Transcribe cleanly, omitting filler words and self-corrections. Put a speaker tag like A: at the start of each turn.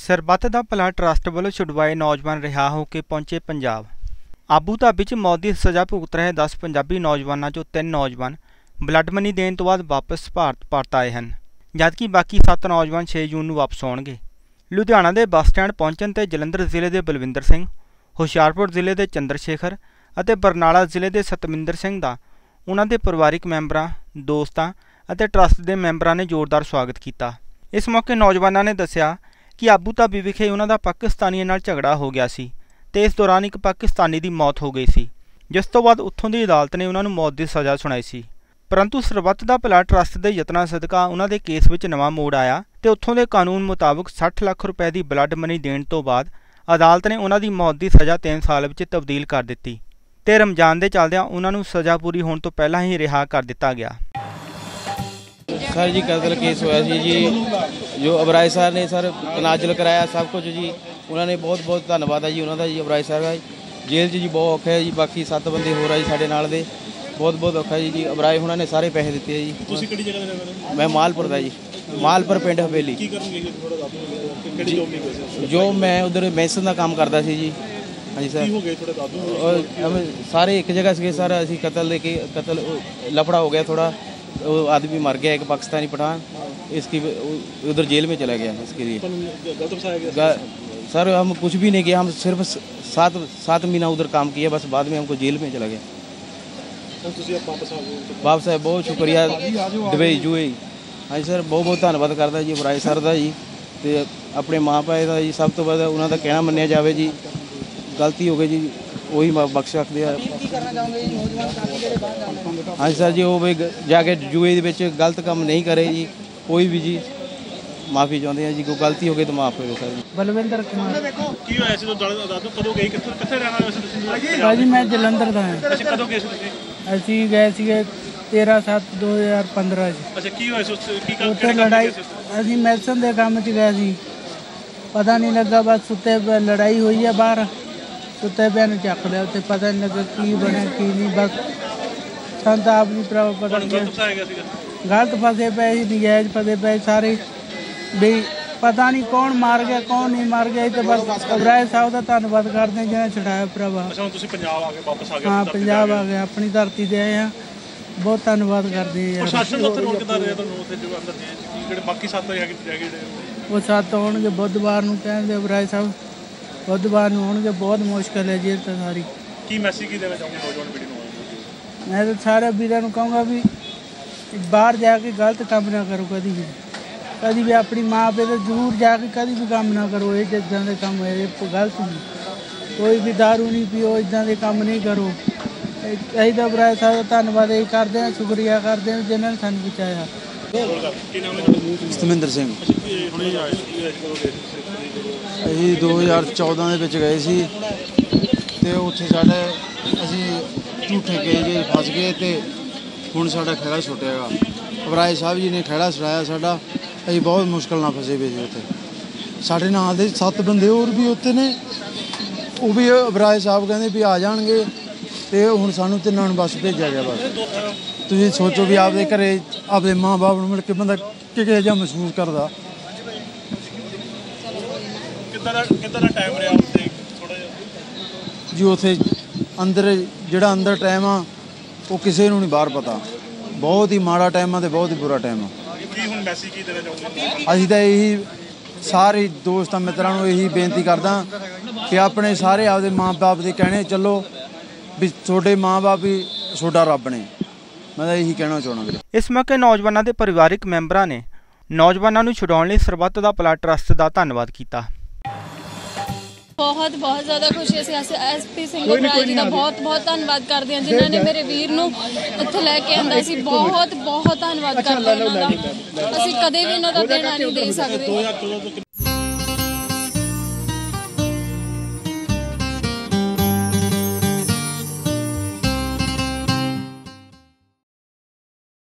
A: ਸਰਬੱਤ ਦਾ ਭਲਾ ਟਰੱਸਟ ਵੱਲੋਂ ਛੁਡਵਾਏ ਨੌਜਵਾਨ ਰਿਹਾ ਹੋ ਕੇ ਪਹੁੰਚੇ ਪੰਜਾਬ। ਆਬੂ ਧਾਬੀ 'ਚ ਮੌਤ ਦੀ ਸਜ਼ਾ ਭੁਗਤ ਰਹੇ 10 ਪੰਜਾਬੀ ਨੌਜਵਾਨਾਂ 'ਚੋਂ 3 ਨੌਜਵਾਨ ਬਲੱਡ ਮਨੀ ਦੇਣ ਤੋਂ ਬਾਅਦ ਵਾਪਸ ਭਾਰਤ ਪਰਤ ਆਏ ਹਨ, ਜਦਕਿ ਬਾਕੀ 7 ਨੌਜਵਾਨ 6 ਜੂਨ ਨੂੰ ਵਾਪਸ ਆਉਣਗੇ। ਲੁਧਿਆਣਾ ਦੇ ਬੱਸ ਸਟੈਂਡ ਪਹੁੰਚਣ 'ਤੇ ਜਲੰਧਰ ਜ਼ਿਲ੍ਹੇ ਦੇ ਬਲਵਿੰਦਰ ਸਿੰਘ, ਹੁਸ਼ਿਆਰਪੁਰ ਜ਼ਿਲ੍ਹੇ ਦੇ ਚੰਦਰ ਸ਼ੇਖਰ ਅਤੇ ਬਰਨਾਲਾ ਜ਼ਿਲ੍ਹੇ ਦੇ ਸਤਮਿੰਦਰ ਸਿੰਘ ਦਾ ਉਨ੍ਹਾਂ ਦੇ ਪਰਿਵਾਰਿਕ ਮੈਂਬਰਾਂ, ਦੋਸਤਾਂ ਅਤੇ ਟਰੱਸਟ ਦੇ ਮੈਂਬਰਾਂ ਨੇ ਜ਼ੋਰਦਾਰ ਸਵਾਗਤ ਕੀਤਾ। ਇਸ ਮੌਕੇ ਨੌਜਵਾਨਾਂ ਨੇ ਦੱਸਿਆ ਕਿ ਆਬੂ ਧਾਬੀ ਵਿਖੇ ਉਹਨਾਂ ਦਾ ਪਾਕਿਸਤਾਨੀਆਂ ਨਾਲ ਝਗੜਾ ਹੋ ਗਿਆ ਸੀ ਤੇ ਇਸ ਦੌਰਾਨ ਇੱਕ ਪਾਕਿਸਤਾਨੀ ਦੀ ਮੌਤ ਹੋ ਗਈ ਸੀ, ਜਿਸ ਤੋਂ ਬਾਅਦ ਉੱਥੋਂ ਦੀ ਅਦਾਲਤ ਨੇ ਉਹਨਾਂ ਨੂੰ ਮੌਤ ਦੀ ਸਜ਼ਾ ਸੁਣਾਈ ਸੀ। ਪਰੰਤੂ ਸਰਬੱਤ ਦਾ ਭਲਾ ਟਰੱਸਟ ਦੇ ਯਤਨਾਂ ਸਦਕਾ ਉਹਨਾਂ ਦੇ ਕੇਸ ਵਿੱਚ ਨਵਾਂ ਮੋੜ ਆਇਆ ਤੇ ਉੱਥੋਂ ਦੇ ਕਾਨੂੰਨ ਮੁਤਾਬਕ 60 ਲੱਖ ਰੁਪਏ ਦੀ ਬਲੱਡ ਮਨੀ ਦੇਣ ਤੋਂ ਬਾਅਦ ਅਦਾਲਤ ਨੇ ਉਹਨਾਂ ਦੀ ਮੌਤ ਦੀ ਸਜ਼ਾ 3 ਸਾਲ ਵਿੱਚ ਤਬਦੀਲ ਕਰ ਦਿੱਤੀ ਤੇ ਰਮਜ਼ਾਨ ਦੇ ਚੱਲਦਿਆਂ ਉਹਨਾਂ ਨੂੰ ਸਜ਼ਾ ਪੂਰੀ ਹੋਣ ਤੋਂ ਪਹਿਲਾਂ ਹੀ ਰਿਹਾ ਕਰ ਦਿੱਤਾ ਗਿਆ।
B: सर जी कतल केस होया जी, जो अबराज सर ने सर तनाजल कराया सब कुछ जी, उन्होंने बहुत बहुत धन्यवाद है जी उन्होंने जी। अबराज सर जेल जी बहुत औखा है जी, बाकी 7 बंदे हो रहा जी साढ़े नाल दे, बहुत बहुत औखा है जी। अबराज उन्होंने सारे पैसे दिते जी। मैं मालपुर का जी, मालपुर पिंड हवेली। जो मैं उधर मैसन का काम करता सी जी। हाँ जी सर, सारे एक जगह से सर असी कतल लफड़ा हो गया थोड़ा, वो आदमी मर गया एक पाकिस्तानी पठान, इसकी उधर जेल में चला गया। इसके लिए सर हम कुछ भी नहीं किया, हम सिर्फ 7 महीना उधर काम किया, बस बाद में हमको जेल में चला गया। वापस है, बहुत शुक्रिया दुबई जुए। हाँ जी सर, बहुत बहुत धन्यवाद करता जी अबराज सर का जी, तो अपने माँ पिता का जी सब तो बाद उन्होंने कहना मन्निया जाए जी। गलती हो गई जी, वही बख्श सकते हैं। हाँ सर जी, वो भी जाके जुए गलत काम नहीं करे जी, कोई भी जी माफ़ी चाहते हैं जी, कोई गलती हो गई तो माफ़ हो सर जी।
C: बलविंदर कुमार भाजी, मैं जलंधर का है। असी गए थे 13/7/2015 उत्थे लड़ाई, असी मैसन के काम च गए सी, पता नहीं लगा, बस सुते लड़ाई हुई है बाहर, सुते पे चक लिया, उत्थे पता नहीं लगा की बने की नहीं, बस सन तो आप नहीं पता गलत फसे पे ही, नजायज फसे पे सारे भी, पता नहीं कौन मार गया कौन नहीं मार गया। तो बस अबराज साहब का धन्यवाद करते हैं जिन्हें छुड़ाया भरावा। हाँ पंजाब आ गए, अपनी धरती से आए हैं, बहुत धन्यवाद करते हैं। वो 7 आने बुधवार को कहते अबराज साहब, बुधवार आने, बहुत मुश्किल है जेल तो सारी। मैं तो सारे वीरों को कहूँगा भी बाहर जाके गलत काम ना करो, कभी भी अपनी माँ पे तो जरूर जाके कभी भी काम ना करो, ये इदा के काम है गलत नहीं, कोई भी दारू नहीं पियो, इदा के काम नहीं करो। यही तो अबराज साहब का धन्यवाद यही करते हैं, शुक्रिया करते हैं जिन्होंने सानू बचाया।
D: ਸਤਮਿੰਦਰ ਸਿੰਘ ਅਸੀਂ 2014 ਦੇ ਵਿੱਚ ਗਏ ਸੀ ਤੇ ਉੱਥੇ ਸਾਡੇ ਅਸੀਂ ਝੂਠੇ ਕੇਸ ਫਸ ਗਏ ਤੇ ਹੁਣ ਸਾਡਾ ਖਹਿੜਾ ਛੁੱਟਿਆਗਾ। ਅਬਰਾਜ ਸਾਹਿਬ ਜੀ ਨੇ ਖਹਿੜਾ ਛੁਡਾਇਆ ਸਾਡਾ, ਅਸੀਂ ਬਹੁਤ ਮੁਸ਼ਕਿਲ ਨਾਲ ਫਸੇ ਪਏ ਸੀ ਉੱਥੇ। ਸਾਡੇ ਨਾਲ ਦੇ 7 ਬੰਦੇ ਹੋਰ ਵੀ ਉੱਥੇ ਨੇ, ਉਹ ਵੀ ਅਬਰਾਜ ਸਾਹਿਬ ਕਹਿੰਦੇ ਵੀ ਆ ਜਾਣਗੇ ਤੇ ਹੁਣ ਸਾਨੂੰ 3 ਨੂੰ ਬੱਸ ਭੇਜਿਆ ਗਿਆ। ਬਸ ਤੁਸੀਂ ਸੋਚੋ ਵੀ ਆਪਦੇ ਘਰੇ ਆਪਦੇ ਮਾਂ ਬਾਪ ਨੂੰ ਮਿਲ ਕੇ ਬੰਦਾ ਕਿਹੋ ਜਿਹਾ ਮਹਿਸੂਸ ਕਰਦਾ।
E: ਕਿੱਦਾਂ ਦਾ ਟਾਈਮ ਰਿਹਾ ਉੱਥੇ ਥੋੜਾ ਜਿਹਾ
D: ਜੀ? ਉੱਥੇ ਅੰਦਰ ਜਿਹੜਾ ਅੰਦਰ ਟਾਈਮ ਆ ਉਹ ਕਿਸੇ ਨੂੰ ਨਹੀਂ ਬਾਹਰ ਪਤਾ, ਬਹੁਤ ਹੀ ਮਾੜਾ ਟਾਈਮ ਆ ਤੇ ਬਹੁਤ ਹੀ ਬੁਰਾ ਟਾਈਮ ਆ।
E: ਕੀ ਹੁਣ ਮੈਸੇਜ ਕੀ ਦੇਣਾ ਚਾਹੁੰਦੇ?
D: ਅਸੀਂ ਤਾਂ ਇਹੀ ਸਾਰੇ ਦੋਸਤਾਂ ਮਿੱਤਰਾਂ ਨੂੰ ਇਹੀ ਬੇਨਤੀ ਕਰਦਾ ਕਿ ਆਪਣੇ ਸਾਰੇ ਆਪਦੇ ਮਾਂ ਬਾਪ ਦੇ ਕਹਿਣੇ ਚੱਲੋ ਵੀ ਤੁਹਾਡੇ ਮਾਂ ਬਾਪ ਹੀ ਤੁਹਾਡਾ ਰੱਬ ਨੇ। मैं तो यही कहना चाहना।
A: इस मौके नौजवानों के परिवारिक मैंबरां ने नौजवानों को छुड़ाने लई सरबੱਤ ਦਾ ਭਲਾ ट्रस्ट का धन्यवाद किया।
F: बहुत बहुत ज़्यादा खुशी है। SP ਸਿੰਘ ਅਬਰਾਜ जी का बहुत बहुत धन्यवाद करते हैं जिन्होंने मेरे वीर ਨੂੰ ਇੱਥੇ ਲੈ ਕੇ ਆਂਦਾ ਸੀ। बहुत बहुत धन्यवाद करते हैं उन्होंने, ਅਸੀਂ ਕਦੇ भी उन्हों का देना नहीं दे सकते।